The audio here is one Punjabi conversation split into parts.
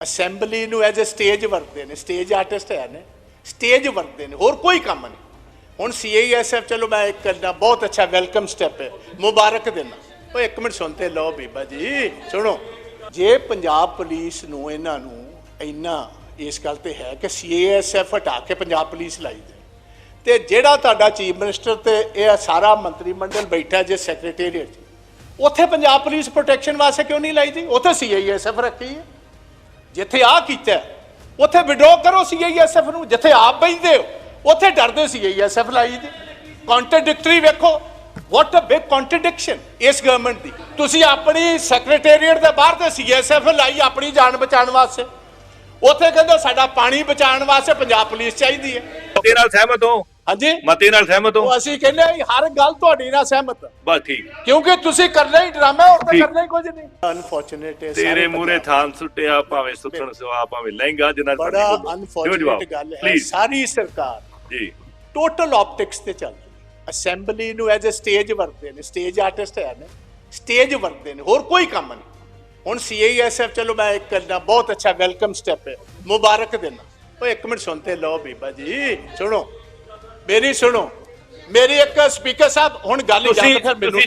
ਅਸੈਂਬਲੀ ਨੂੰ ਐਜ਼ ਅ ਸਟੇਜ ਵਰਤਦੇ ਨੇ, ਸਟੇਜ ਆਰਟਿਸਟ ਹੈ ਨੇ, ਸਟੇਜ ਵਰਤਦੇ ਨੇ, ਹੋਰ ਕੋਈ ਕੰਮ ਨਹੀਂ। ਹੁਣ CISF ਚਲੋ ਮੈਂ ਇੱਕ ਕਰਨਾ, ਬਹੁਤ ਅੱਛਾ ਵੈਲਕਮ ਸਟੈਪ ਹੈ, ਮੁਬਾਰਕ ਦੇਣਾ। ਉਹ ਇੱਕ ਮਿੰਟ ਸੁਣਤੇ ਲਓ ਬੀਬਾ ਜੀ, ਸੁਣੋ। ਜੇ ਪੰਜਾਬ ਪੁਲਿਸ ਨੂੰ ਇਹਨਾਂ ਨੂੰ ਇੰਨਾ ਇਸ ਗੱਲ ਤੇ ਹੈ ਕਿ CISF ਹਟਾ ਕੇ ਪੰਜਾਬ ਪੁਲਿਸ ਲਾਈ ਦੇ, ਤੇ ਜਿਹੜਾ ਤੁਹਾਡਾ ਚੀਫ ਮਿਨਿਸਟਰ ਤੇ ਇਹ ਸਾਰਾ ਮੰਤਰੀ ਮੰਡਲ ਬੈਠਾ ਜੇ ਸੈਕਟਰੀਏਟ 'ਚ, ਉੱਥੇ ਪੰਜਾਬ ਪੁਲਿਸ ਪ੍ਰੋਟੈਕਸ਼ਨ ਵਾਸਤੇ ਕਿਉਂ ਨਹੀਂ ਲਾਈ ਦੀ? ਉੱਥੇ CISF ਰੱਖੀ ਹੈ। ਜਿੱਥੇ ਆ ਕੀਤਾ ਉੱਥੇ ਵਿਡਰੋ ਕਰੋ CISF ਨੂੰ, ਜਿੱਥੇ ਆਪ ਬੈਠਦੇ ਹੋ ਉੱਥੇ ਡਰਦੇ CISF ਲਾਈ ਦੀ। ਕੰਟਰਡਿਕਟਰੀ ਵੇਖੋ, ਵਾਟ ਅ ਬਿਗ ਕੰਟਰਡਿਕਸ਼ਨ ਇਸ ਗਵਰਨਮੈਂਟ ਦੀ। ਤੁਸੀਂ ਆਪਣੀ ਸੈਕਟਰੀਏਟ ਦੇ ਬਾਹਰ ਤੇ CISF ਲਾਈ ਆਪਣੀ ਜਾਨ ਬਚਾਉਣ ਵਾਸਤੇ, ਉੱਥੇ ਕਹਿੰਦੇ ਸਾਡਾ ਪਾਣੀ ਬਚਾਉਣ ਵਾਸਤੇ ਪੰਜਾਬ ਪੁਲਿਸ ਚਾਹੀਦੀ ਹੈ। ਮਤੇ ਨਾਲ ਸਹਿਮਤ ਹੋ? ਹਾਂਜੀ, ਮਤੇ ਨਾਲ ਸਹਿਮਤ ਹੋ? ਅਸੀਂ ਕਹਿੰਦੇ ਹਰ ਗੱਲ ਤੁਹਾਡੀ ਨਾਲ ਸਹਿਮਤ। ਬਸ ਠੀਕ, ਕਿਉਂਕਿ ਤੁਸੀਂ ਕਰਨਾ ਹੀ ਡਰਾਮਾ, ਹੋਰ ਤਾਂ ਕਰਨਾ ਹੀ ਕੁਝ ਨਹੀਂ। ਅਨਫੋਰਚੂਨੇਟ ਹੈ, ਤੇਰੇ ਮੂਰੇ ਥਾਨ ਸੁੱਟਿਆ, ਭਾਵੇਂ ਸੁੱਟਣ ਸਵਾ, ਭਾਵੇਂ ਲਹਿੰਗਾ, ਜਿੰਨਾ ਬੜਾ ਅਨਫੋਰਚੂਨੇਟ ਗੱਲ ਹੈ। ਸਾਰੀ ਸਰਕਾਰ ਜੀ ਟੋਟਲ ਆਪਟਿਕਸ ਤੇ ਚੱਲਦੀ। ਅਸੈਂਬਲੀ ਨੂੰ ਐਜ਼ ਅ ਸਟੇਜ ਵਰਤਦੇ ਨੇ, ਸਟੇਜ ਆਰਟਿਸਟ ਹੈ ਨੇ, ਸਟੇਜ ਵਰਤਦੇ ਨੇ, ਹੋਰ ਕੋਈ ਕੰਮ ਨਹੀਂ। ਹੁਣ CISF ਚਲੋ ਮੈਂ ਇੱਕ ਕਰਨਾ, ਬਹੁਤ ਅੱਛਾ ਵੈਲਕਮ ਸਟੈਪ ਹੈ, ਮੁਬਾਰਕ ਦੇਣਾ। ਉਹ ਇੱਕ ਮਿੰਟ ਸੁਣਤੇ ਲਓ ਬੀਬਾ ਜੀ, ਸੁਣੋ ਮੇਰੀ, ਸੁਣੋ ਮੇਰੀ। ਇੱਕ ਸਪੀਕਰ ਸਾਹਿਬ ਹੁਣ ਗੱਲ ਹੀ ਜਾਂਦੇ, ਫਿਰ ਮੈਨੂੰ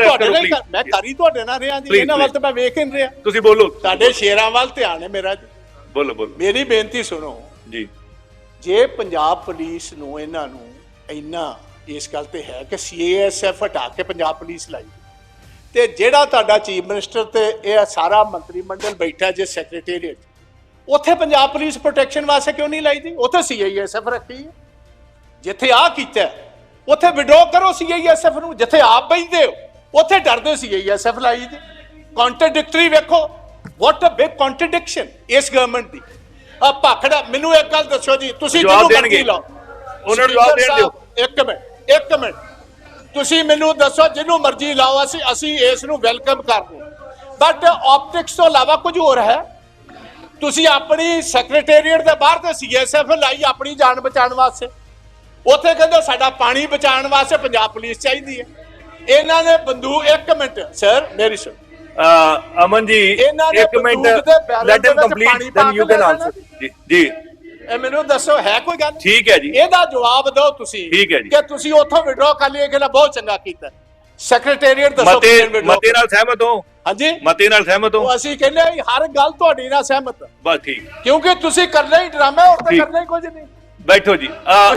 ਮੈਂ ਕਰੀ ਤੁਹਾਡੇ ਨਾਲ ਰਿਹਾ ਜੀ, ਇਹਨਾਂ ਵੱਲ ਤਾਂ ਮੈਂ ਵੇਖ ਹੀ ਨਹੀਂ ਰਿਹਾ। ਤੁਸੀਂ ਬੋਲੋ, ਤੁਹਾਡੇ ਸ਼ੇਰਾਂ ਵੱਲ ਧਿਆਨ ਹੈ ਮੇਰਾ ਜੀ। ਬੋਲੋ ਬੋਲੋ। ਮੇਰੀ ਬੇਨਤੀ ਸੁਣੋ ਜੀ। ਜੇ ਪੰਜਾਬ ਪੁਲਿਸ ਨੂੰ ਇਹਨਾਂ ਨੂੰ ਇੰਨਾ ਇਸ ਗੱਲ ਤੇ ਹੈ ਕਿ CISF ਹਟਾ ਕੇ ਪੰਜਾਬ ਪੁਲਿਸ ਲਾਈ, ਤੇ ਜਿਹੜਾ ਤੁਹਾਡਾ ਚੀਫ ਮਿਨਿਸਟਰ ਤੇ ਇਹ ਸਾਰਾ ਮੰਤਰੀ ਮੰਡਲ ਬੈਠਾ ਜੇ ਸੈਕਟਰੀਏਟ 'ਚ, ਉੱਥੇ ਪੰਜਾਬ ਪੁਲਿਸ ਪ੍ਰੋਟੈਕਸ਼ਨ ਵਾਸਤੇ ਕਿਉਂ ਨਹੀਂ ਲਾਈ ਦੀ? ਉੱਥੇ CISF ਰੱਖੀ ਹੈ। ਜਿੱਥੇ ਆ ਕੀਤਾ ਉੱਥੇ ਵਿਡਰੋ ਕਰੋ CISF ਨੂੰ, ਜਿੱਥੇ ਆਪ ਬੈਠਦੇ ਹੋ ਉੱਥੇ ਡਰਦੇ CISF ਲਾਈ ਦੀ। ਕੰਟਰਡਿਕਟਰੀ ਵੇਖੋ, ਵਾਟ ਅ ਬਿਗ ਕੰਟਰਡਿਕਸ਼ਨ ਇਸ ਗਵਰਨਮੈਂਟ ਦੀ। ਆ ਭਾਖੜਾ, ਮੈਨੂੰ ਇੱਕ ਗੱਲ ਦੱਸੋ ਜੀ, ਤੁਸੀਂ ਜਿਹਨੂੰ ਮਰਜ਼ੀ ਲਾਓ, ਉਹਨਾਂ ਨੂੰ ਜਵਾਬ ਦੇਣ ਦਿਓ। ਇੱਕ ਮਿੰਟ ਤੁਸੀਂ ਮੈਨੂੰ ਦੱਸੋ, ਜਿਹਨੂੰ ਮਰਜ਼ੀ ਲਾਓ, ਅਸੀਂ ਇਸ ਨੂੰ ਵੈਲਕਮ ਕਰਦੇ, ਬਟ ਆਪਟਿਕਸ ਤੋਂ ਇਲਾਵਾ ਕੁਝ ਹੋਰ ਹੈ? ਤੁਸੀਂ ਆਪਣੀ ਸੈਕਟਰੀਏਟ ਦੇ ਬਾਹਰ ਤੇ CISF ਲਾਈ ਆਪਣੀ ਜਾਨ ਬਚਾਉਣ ਵਾਸਤੇ, ਉੱਥੇ ਕਹਿੰਦੇ ਸਾਡਾ ਪਾਣੀ ਬਚਾਉਣ ਵਾਸਤੇ ਪੰਜਾਬ ਪੁਲਿਸ ਚਾਹੀਦੀ ਹੈ। ਇਹਨਾਂ ਨੇ ਬੰਦੂਕ, ਇੱਕ ਮਿੰਟ ਸਰ ਮੇਰੀ ਸੁਣ, ਅਮਨ ਜੀ ਇੱਕ minute, let him complete, then you can answer. ਜੀ ਜੀ, ਇਹ ਮੈਨੂੰ ਦੱਸੋ ਹੈ ਕੋਈ ਗੱਲ? ਠੀਕ ਹੈ ਜੀ, ਇਹਦਾ ਜਵਾਬ ਦਿਓ ਤੁਸੀਂ। ਠੀਕ ਹੈ ਜੀ, ਕਿ ਤੁਸੀਂ ਉੱਥੋਂ ਵਿਡਰੋ ਕਰ ਲਿਆ ਕਿ ਬਹੁਤ ਚੰਗਾ ਕੀਤਾ। ਸੈਕਟਰੀਏਟ ਦੱਸੋ, ਮਤੇ ਨਾਲ ਸਹਿਮਤ ਹੋ? ਹਾਂਜੀ, ਮਤੇ ਨਾਲ ਸਹਿਮਤ ਹੋ? ਅਸੀਂ ਕਹਿੰਦੇ ਹਰ ਗੱਲ ਤੁਹਾਡੀ ਨਾਲ ਸਹਿਮਤ। ਬਸ ਠੀਕ, ਕਿਉਂਕਿ ਤੁਸੀਂ ਕਰਨਾ ਹੀ ਡਰਾਮਾ, ਹੋਰ ਤਾਂ ਕਰਨਾ ਹੀ ਕੁਝ ਨਹੀਂ। ਬੈਠੋ ਜੀ।